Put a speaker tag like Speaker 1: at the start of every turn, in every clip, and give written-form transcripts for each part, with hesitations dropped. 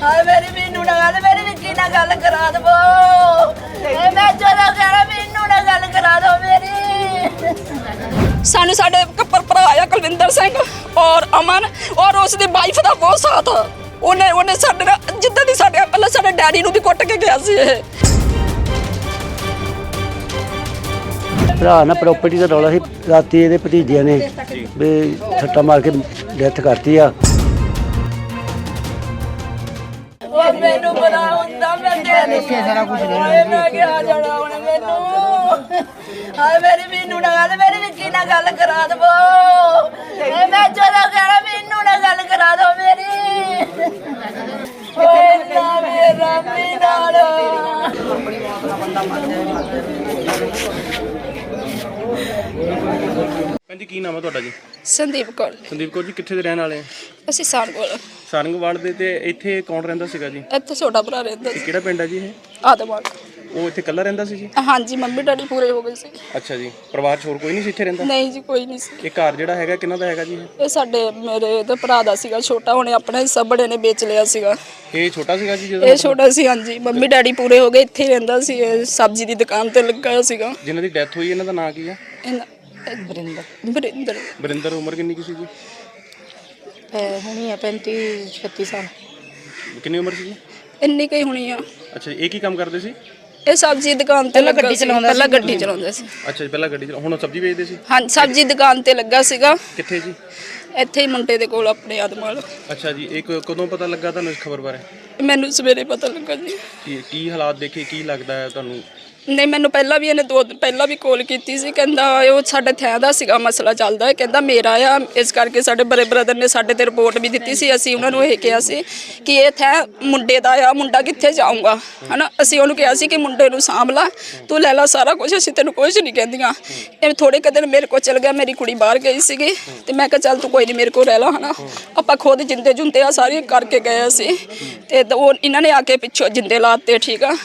Speaker 1: ਹਾਏ ਮੇਰੀ ਮੈਨੂੰ ਨਾ ਗੱਲ ਮੇਰੀ ਵਿੱਕੀ ਨਾਲ ਗੱਲ ਕਰਾ ਦਵੋ। ਮੈਂ ਜਦੋਂ ਕਹਿਣਾ ਮੈਨੂੰ ਨਾਲ ਗੱਲ ਕਰਾ ਦੋ ਮੇਰੀ।
Speaker 2: ਸਾਨੂੰ ਸਾਡੇ ਭਰਾ ਆ ਕੁਲਵਿੰਦਰ ਸਿੰਘ ਔਰ ਅਮਨ ਔਰ ਉਸ ਦੀ ਵਾਈਫ ਦਾ ਬਹੁਤ ਸਾਥ। ਉਹਨੇ ਸਾਡੇ ਨਾਲ ਜਿੱਦਾਂ ਦੀ ਸਾਡੇ ਪਹਿਲਾਂ ਸਾਡੇ ਡੈਡੀ ਨੂੰ ਵੀ ਕੁੱਟ ਕੇ ਗਿਆ ਸੀ। ਇਹ
Speaker 3: ਭਰਾ ਨਾਲ ਪ੍ਰਾਪਰਟੀ ਦਾ ਰੌਲਾ ਸੀ। ਰਾਤੀ ਇਹਦੇ ਭਤੀਜਿਆਂ ਨੇ ਵੀ ਸੱਟਾ ਮਾਰ ਕੇ ਡੈਥ ਕਰਤੀ ਆ।
Speaker 1: ਮੈਨੂੰ ਪਤਾ ਹੁੰਦਾ ਮੈਂ ਦੇਖਿਆ ਸਾਰਾ ਕੁਝ ਮੈਂ ਕਿਹਾ ਜਾਣਾ ਹੁਣ ਮੈਨੂੰ। ਹਾਏ ਮੇਰੀ ਮੈਨੂੰ ਨਾਲ ਗੱਲ ਮੇਰੀ ਵਿੱਕੀ ਨਾਲ ਗੱਲ ਕਰਾ ਦਵੋ। ਮੈਂ ਜਦੋਂ ਕਹਿਣਾ ਮੈਨੂੰ ਨਾਲ ਗੱਲ ਕਰਾ ਦੋ ਮੇਰੀ। ਓਏ ਨਾ ਮੇਰਾ ਰੱਬੀ ਨਾਲ
Speaker 4: ਹਾਂਜੀ, ਕੀ ਨਾਮ ਹੈ ਤੁਹਾਡਾ ਜੀ?
Speaker 2: ਸੰਦੀਪ ਕੌਰ।
Speaker 4: ਸੰਦੀਪ ਕੌਰ ਜੀ, ਕਿੱਥੇ ਦੇ ਰਹਿਣ ਵਾਲੇ ਆ?
Speaker 2: ਅਸੀਂ ਸਾਰਗੋਲ
Speaker 4: ਸਾਰੰਗਵਾਲ ਦੇ। ਤੇ ਇੱਥੇ ਕੌਣ ਰਹਿੰਦਾ ਸੀਗਾ ਜੀ?
Speaker 2: ਇੱਥੇ ਛੋਟਾ ਭਰਾ ਰਹਿੰਦਾ
Speaker 4: ਇਹ
Speaker 2: ਸੀ
Speaker 4: ਕਿਹੜਾ ਪਿੰਡ ਹੈ ਜੀ ਇਹ?
Speaker 2: ਆਦਮਾਨ।
Speaker 4: ਉਹ ਇੱਥੇ ਇਕੱਲਾ ਰਹਿੰਦਾ ਸੀ ਜੀ?
Speaker 2: ਹਾਂਜੀ, ਮੰਮੀ ਡੈਡੀ ਪੂਰੇ ਹੋ ਗਏ ਸੀ।
Speaker 4: ਅੱਛਾ ਜੀ, ਪਰਿਵਾਰ 'ਚ ਹੋਰ ਕੋਈ ਨਹੀਂ ਸੀ ਇੱਥੇ ਰਹਿੰਦਾ?
Speaker 2: ਨਹੀਂ ਜੀ, ਕੋਈ ਨਹੀਂ ਸੀ।
Speaker 4: ਇਹ ਘਰ ਜਿਹੜਾ ਹੈਗਾ ਕਿਹਨਾਂ ਦਾ ਹੈਗਾ ਜੀ?
Speaker 2: ਇਹ ਸਾਡੇ ਮੇਰੇ ਤੇ ਭਰਾ ਦਾ ਸੀਗਾ ਛੋਟਾ। ਉਹਨੇ ਆਪਣਾ ਹਿੱਸਾ ਬੜੇ ਨੇ ਵੇਚ ਲਿਆ ਸੀਗਾ।
Speaker 4: ਇਹ ਛੋਟਾ ਸੀਗਾ ਜੀ ਜਦੋਂ?
Speaker 2: ਇਹ ਛੋਟਾ ਸੀ, ਹਾਂਜੀ। ਮੰਮੀ ਡੈਡੀ ਪੂਰੇ ਹੋ ਗਏ, ਇੱਥੇ ਹੀ ਰਹਿੰਦਾ ਸੀ। ਇਹ ਸਬਜ਼ੀ ਦੀ ਦੁਕਾਨ ਤੇ ਲੱਗਾ ਸੀਗਾ।
Speaker 4: ਜਿਨ੍ਹਾਂ ਦੀ ਡੈਥ ਹੋਈ ਇਹਨਾਂ ਦਾ ਨਾਂ ਕੀ ਆ?
Speaker 2: ਬਰਿੰਦਰ।
Speaker 4: ਬਰਿੰਦਰ। ਉਮਰ ਕਿੰਨੀ ਕੀ ਸੀ ਜੀ?
Speaker 5: ਹੁਣੀ ਆ 35-36 ਸਾਲ।
Speaker 4: ਕਿੰਨੀ ਉਮਰ ਸੀ ਜੀ?
Speaker 2: ਇੰਨੀ ਕਈ ਹੋਣੀ ਆ।
Speaker 4: ਅੱਛਾ ਜੀ, ਇਹ ਕੀ ਕੰਮ ਕਰਦੇ ਸੀ?
Speaker 2: ਇਹ ਸਬਜ਼ੀ ਦੁਕਾਨ ਤੇ ਲੱਗਾ ਸੀ। ਪਹਿਲਾਂ ਗੱਡੀ ਚਲਾਉਂਦਾ ਸੀ।
Speaker 4: ਅੱਛਾ ਜੀ, ਪਹਿਲਾਂ ਗੱਡੀ ਹੁਣ ਸਬਜ਼ੀ ਵੇਚਦੇ ਸੀ?
Speaker 2: ਹਾਂਜੀ, ਸਬਜ਼ੀ ਦੁਕਾਨ ਤੇ ਲੱਗਾ ਸੀਗਾ।
Speaker 4: ਕਿੱਥੇ ਜੀ?
Speaker 2: ਇੱਥੇ ਹੀ ਮੁੰਡੇ ਦੇ ਕੋਲ ਆਪਣੇ ਆਦਮਾਲ।
Speaker 4: ਅੱਛਾ ਜੀ, ਇਹ ਕਦੋਂ ਪਤਾ ਲੱਗਾ ਤੁਹਾਨੂੰ ਇਸ ਖਬਰ ਬਾਰੇ?
Speaker 2: ਮੈਨੂੰ ਸਵੇਰੇ ਪਤਾ ਲੱਗਾ ਜੀ।
Speaker 4: ਕੀ ਹਾਲਾਤ ਦੇਖੇ, ਕੀ ਲੱਗਦਾ ਹੈ ਤੁਹਾਨੂੰ?
Speaker 2: ਨਹੀਂ, ਮੈਨੂੰ ਪਹਿਲਾਂ ਵੀ ਇਹਨੇ 2 ਦਿਨ ਪਹਿਲਾਂ ਵੀ ਕਾਲ ਕੀਤੀ ਸੀ। ਕਹਿੰਦਾ ਉਹ ਸਾਡੇ ਥੈਂ ਦਾ ਸੀਗਾ ਮਸਲਾ ਚੱਲਦਾ ਹੈ। ਕਹਿੰਦਾ ਮੇਰਾ ਆ, ਇਸ ਕਰਕੇ ਸਾਡੇ ਬੜੇ ਬ੍ਰਦਰ ਨੇ ਸਾਡੇ ਤੇ ਰਿਪੋਰਟ ਵੀ ਦਿੱਤੀ ਸੀ। ਅਸੀਂ ਉਹਨਾਂ ਨੂੰ ਇਹ ਕਿਹਾ ਸੀ ਕਿ ਇਹ ਥੈਂ ਮੁੰਡੇ ਦਾ ਆ, ਮੁੰਡਾ ਕਿੱਥੇ ਜਾਊਗਾ, ਹਨਾ। ਅਸੀਂ ਉਹਨੂੰ ਕਿਹਾ ਸੀ ਕਿ ਮੁੰਡੇ ਨੂੰ ਸਾਂਭ ਲਾ, ਤੂੰ ਲੈ ਲਾ ਸਾਰਾ ਕੁਝ, ਅਸੀਂ ਤੈਨੂੰ ਕੁਝ ਨਹੀਂ ਕਹਿੰਦੀਆਂ। ਇਹ ਥੋੜੇ ਕੁ ਦਿਨ ਮੇਰੇ ਕੋਲ ਚਲ ਗਿਆ। ਮੇਰੀ ਕੁੜੀ ਬਾਹਰ ਗਈ ਸੀਗੀ ਤੇ ਮੈਂ ਕਿਹਾ ਚੱਲ ਤੂੰ ਕੋਈ ਨਹੀਂ ਮੇਰੇ ਕੋਲ ਰਹਿ ਲਾ, ਹਨਾ। ਆਪਾਂ ਖੁਦ ਜਿੰਦੇ ਜੁੰਦੇ ਆ ਸਾਰੀ ਕਰਕੇ ਗਏ ਸੀ। ਤੇ ਉਹ ਇਹਨਾਂ ਨੇ ਆ ਕੇ ਪਿੱਛੋਂ ਜਿੰਦੇ ਲਾਤੇ। ਠੀਕ ਆ,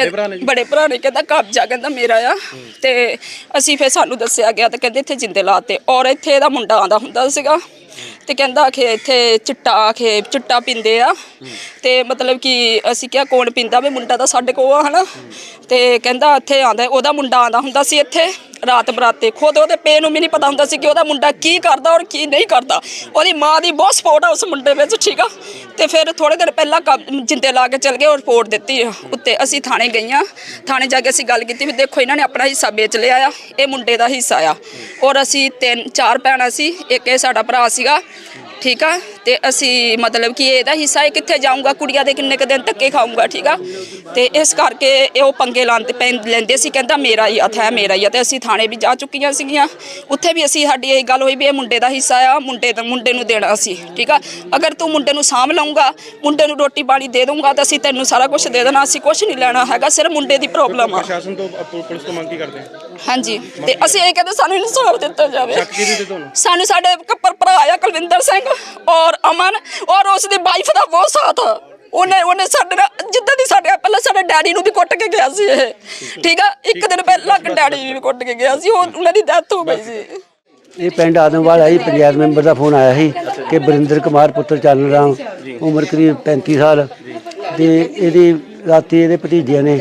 Speaker 2: ਬੜੇ ਭਰਾ ਨੇ ਕਹਿੰਦਾ ਕਬਜ਼ਾ ਕਹਿੰਦਾ ਮੇਰਾ ਆ। ਤੇ ਅਸੀਂ ਫਿਰ ਸਾਨੂੰ ਦੱਸਿਆ ਗਿਆ ਤੇ ਕਹਿੰਦੇ ਇੱਥੇ ਜਿੰਦੇ ਲਾਤੇ। ਔਰ ਇੱਥੇ ਇਹਦਾ ਮੁੰਡਾ ਆਉਂਦਾ ਹੁੰਦਾ ਸੀਗਾ ਤੇ ਕਹਿੰਦਾ ਕਿ ਇੱਥੇ ਚਿੱਟਾ ਪੀਂਦੇ ਆ। ਤੇ ਮਤਲਬ ਕਿ ਅਸੀਂ ਕਿਹਾ ਕੌਣ ਪੀਂਦਾ? ਵੀ ਮੁੰਡਾ ਤਾਂ ਸਾਡੇ ਕੋਲ ਆ, ਹਨਾ। ਤੇ ਕਹਿੰਦਾ ਇੱਥੇ ਆਉਂਦਾ, ਉਹਦਾ ਮੁੰਡਾ ਆਉਂਦਾ ਹੁੰਦਾ ਸੀ ਇੱਥੇ ਰਾਤ ਬਰਾਤੇ। ਖੁਦ ਉਹਦੇ ਪੇ ਨੂੰ ਵੀ ਨਹੀਂ ਪਤਾ ਹੁੰਦਾ ਸੀ ਕਿ ਉਹਦਾ ਮੁੰਡਾ ਕੀ ਕਰਦਾ ਔਰ ਕੀ ਨਹੀਂ ਕਰਦਾ। ਉਹਦੀ ਮਾਂ ਦੀ ਬਹੁਤ ਸਪੋਰਟ ਆ ਉਸ ਮੁੰਡੇ ਵਿੱਚ। ਠੀਕ ਆ, ਤੇ ਫਿਰ ਥੋੜੇ ਦਿਨ ਪਹਿਲਾਂ ਜਿੰਦੇ ਲਾ ਕੇ ਚਲ ਗਏ ਔਰ ਰਿਪੋਰਟ ਦਿੱਤੀ ਉੱਤੇ। ਅਸੀਂ ਥਾਣੇ ਗਈਆਂ, ਥਾਣੇ ਜਾ ਕੇ ਅਸੀਂ ਗੱਲ ਕੀਤੀ ਵੀ ਦੇਖੋ ਇਹਨਾਂ ਨੇ ਆਪਣਾ ਹਿੱਸਾ ਵੇਚ ਲਿਆ ਆ, ਇਹ ਮੁੰਡੇ ਦਾ ਹਿੱਸਾ ਆ। ਔਰ ਅਸੀਂ 3-4 ਭੈਣਾਂ ਸੀ, ਇੱਕ ਇਹ ਸਾਡਾ ਭਰਾ ਸੀਗਾ। ਠੀਕ ਆ, ਤੇ ਅਸੀਂ ਮਤਲਬ ਕਿ ਇਹਦਾ ਹਿੱਸਾ ਇਹ ਕਿੱਥੇ ਜਾਊਗਾ, ਕੁੜੀਆਂ ਦੇ ਕਿੰਨੇ ਕੁ ਦਿਨ ਧੱਕੇ ਖਾਊਗਾ। ਠੀਕ ਆ, ਤੇ ਇਸ ਕਰਕੇ ਇਹ ਉਹ ਪੰਗੇ ਲੈਂਦੇ ਸੀ। ਕਹਿੰਦਾ ਮੇਰਾ ਹੀ ਹੱਥ ਹੈ, ਮੇਰਾ ਹੀ ਆ। ਤੇ ਅਸੀਂ ਥਾਣੇ ਵੀ ਜਾ ਚੁੱਕੀਆਂ ਸੀਗੀਆਂ। ਉੱਥੇ ਵੀ ਅਸੀਂ ਸਾਡੀ ਇਹ ਗੱਲ ਹੋਈ ਵੀ ਇਹ ਮੁੰਡੇ ਦਾ ਹਿੱਸਾ ਆ, ਮੁੰਡੇ ਨੂੰ ਦੇਣਾ ਸੀ। ਠੀਕ ਆ, ਅਗਰ ਤੂੰ ਮੁੰਡੇ ਨੂੰ ਸਾਂਭ ਲਊਂਗਾ, ਮੁੰਡੇ ਨੂੰ ਰੋਟੀ ਪਾਣੀ ਦੇ ਦਊਂਗਾ ਤਾਂ ਅਸੀਂ ਤੈਨੂੰ ਸਾਰਾ ਕੁਝ ਦੇ ਦੇਣਾ। ਅਸੀਂ ਕੁਝ ਨਹੀਂ ਲੈਣਾ ਹੈਗਾ, ਸਿਰਫ ਮੁੰਡੇ ਦੀ ਪ੍ਰੋਬਲਮ ਆ।
Speaker 4: ਪ੍ਰਸ਼ਾਸਨ ਤੋਂ ਪੁਲਿਸ ਤੋਂ ਮੰਗ ਕੀ ਕਰਦੇ ਆ?
Speaker 2: ਹਾਂਜੀ, ਤੇ ਅਸੀਂ ਇਹ ਕਹਿੰਦੇ ਸਾਨੂੰ ਇਨਸਾਫ ਦਿੱਤਾ ਜਾਵੇ।
Speaker 4: ਸ਼ੱਕ ਕਿਹਦੇ ਤੇ ਤੁਹਾਨੂੰ?
Speaker 2: ਸਾਨੂੰ ਸਾਡੇ ਭਰਾ ਆ ਕੁਲਵਿੰਦਰ ਸਿੰਘ ਔਰ ਅਮਨ ਔਰ ਉਸ ਦੀ ਵਾਈਫ ਦਾ ਬਹੁਤ ਸਾਥ। ਉਹਨੇ ਸਾਡੇ ਨਾਲ ਜਿੱਦਾਂ ਦੀ ਸਾਡੇ ਪਹਿਲਾਂ ਸਾਡੇ ਡੈਡੀ ਨੂੰ ਵੀ ਕੁੱਟ ਕੇ ਗਿਆ ਸੀ। ਇਹ ਠੀਕ ਆ, ਇੱਕ ਦਿਨ ਪਹਿਲਾਂ ਡੈਡੀ ਵੀ ਕੁੱਟ ਕੇ ਗਿਆ ਸੀ। ਉਹਨਾਂ ਦੀ ਡੈਥ ਹੋ ਗਈ ਸੀ।
Speaker 3: ਇਹ ਪਿੰਡ ਆਦਮਵਾਲ ਆਈ, ਪੰਚਾਇਤ ਮੈਂਬਰ ਦਾ ਫੋਨ ਆਇਆ ਸੀ ਕਿ ਬਰਿੰਦਰ ਕੁਮਾਰ ਪੁੱਤਰ ਚੱਲ ਰਾਮ, ਉਮਰ ਕਰੀਬ 35 ਸਾਲ। ਤੇ ਇਹਦੀ ਰਾਤੀ ਇਹਦੇ ਭਤੀਜਿਆਂ ਨੇ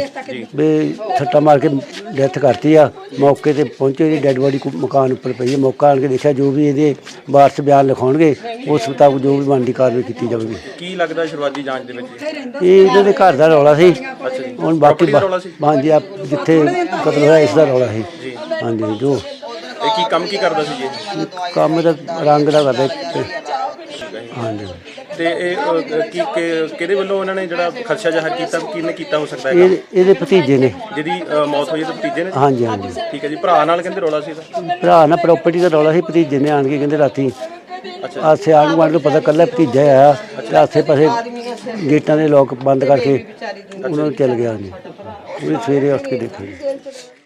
Speaker 3: ਵੀ ਸੱਟਾ ਮਾਰ ਕੇ ਡੈਥ ਕਰਤੀ ਆ। ਮੌਕੇ ਤੇ ਪਹੁੰਚੇ, ਇਹਦੀ ਡੈੱਡ ਬੋਡੀ ਮਕਾਨ ਉੱਪਰ ਪਈ ਹੈ। ਮੌਕਾ ਆਣ ਕੇ ਦੇਖਿਆ, ਜੋ ਵੀ ਇਹਦੇ ਵਾਰਸ ਬਿਆਨ ਲਿਖਾਉਣਗੇ ਉਸ ਮੁਤਾਬਕ ਜੋ ਵੀ ਬਣਦੀ ਕਾਰਵਾਈ ਕੀਤੀ ਜਾਵੇਗੀ।
Speaker 4: ਕੀ ਲੱਗਦਾ ਸ਼ੁਰੂਆਤੀ ਜਾਂਚ ਦੇ ਵਿੱਚ?
Speaker 3: ਇਹ ਇਹਨਾਂ ਦੇ ਘਰ ਦਾ ਰੌਲਾ ਸੀ। ਹੁਣ ਬਾਕੀ ਹਾਂਜੀ, ਜਿੱਥੇ ਕਤਲ ਹੋਇਆ ਇਸ ਦਾ ਰੌਲਾ ਸੀ। ਹਾਂਜੀ, ਜੋ
Speaker 4: ਇਹ ਕੀ ਕੰਮ ਕੀ ਕਰਦਾ ਸੀ ਜੀ?
Speaker 3: ਕੰਮ ਦਾ ਰੰਗ ਦਾ ਕਰਦਾ। ਹਾਂਜੀ,
Speaker 4: ਤੇ ਇਹ ਕਿਹਦੇ ਵੱਲੋਂ ਉਹਨਾਂ ਨੇ ਜਿਹੜਾ ਖਦਸ਼ਾ ਜ਼ਾਹਰ ਕੀਤਾ, ਕਿਹਨੇ ਕੀਤਾ ਹੋ ਸਕਦਾ ਹੈ?
Speaker 3: ਇਹਦੇ ਭਤੀਜੇ ਨੇ
Speaker 4: ਜਿਹਦੀ ਮੌਤ ਹੋਈ ਤੇ ਭਤੀਜੇ ਨੇ?
Speaker 3: ਹਾਂਜੀ ਹਾਂਜੀ,
Speaker 4: ਠੀਕ ਹੈ ਜੀ। ਭਰਾ ਨਾਲ ਕਹਿੰਦੇ ਰੌਲਾ ਸੀ ਇਹਦਾ?
Speaker 3: ਭਰਾ ਨਾਲ ਪ੍ਰਾਪਰਟੀ ਦਾ ਰੌਲਾ ਸੀ। ਭਤੀਜੇ ਨੇ ਆਣ ਕੇ ਕਹਿੰਦੇ ਰਾਤੀ ਆਸੇ ਆਣ ਗੁਆਂਢ ਨੂੰ ਪਤਾ ਕੱਲਾ ਭਤੀਜਾ ਆਇਆ ਤੇ ਆਸੇ ਪਾਸੇ ਗੇਟਾਂ ਦੇ ਲੋਕ ਬੰਦ ਕਰਕੇ ਉਹਨਾਂ ਨੂੰ ਚੱਲ ਗਿਆ। ਜੀ ਉਹ ਸਵੇਰੇ ਉੱਠ ਕੇ ਦੇਖਿਆ ਜੀ।